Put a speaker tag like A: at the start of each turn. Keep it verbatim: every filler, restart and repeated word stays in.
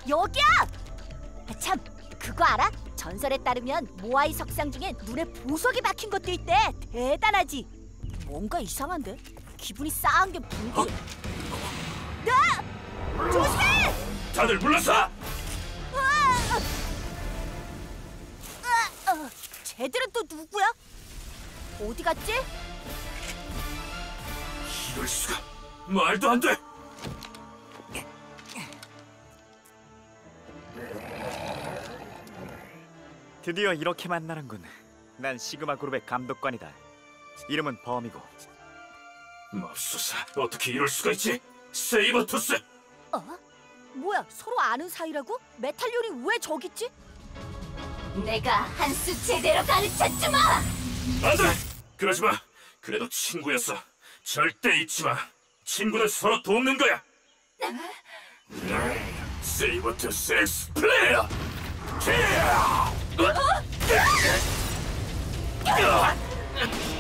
A: 여기야! 아, 참, 그거 알아? 전설에 따르면 모아이 석상 중에 눈에 보석이 박힌 것도 있대. 대단하지? 뭔가 이상한데? 기분이 싸한 게 보이지?
B: 어?
A: 야! 조심해!
B: 다들 물러서!
A: 으아! 으아! 어, 쟤들은 또 누구야? 어디 갔지?
B: 이럴 수가! 말도 안 돼!
C: 드디어 이렇게 만나는군. 난 시그마 그룹의 감독관이다. 이름은 범이고.
B: 맙소사, 어떻게 이럴 수가 있지? 세이버투스!
A: 어? 뭐야, 서로 아는 사이라고? 메탈리온이 왜 저기 있지?
D: 내가 한 수 제대로 가르쳐주마!
B: 안 돼! 그러지 마! 그래도 친구였어. 절대 잊지 마. 친구는 서로 돕는 거야. 세이버투스 엑스 플레이어! 어?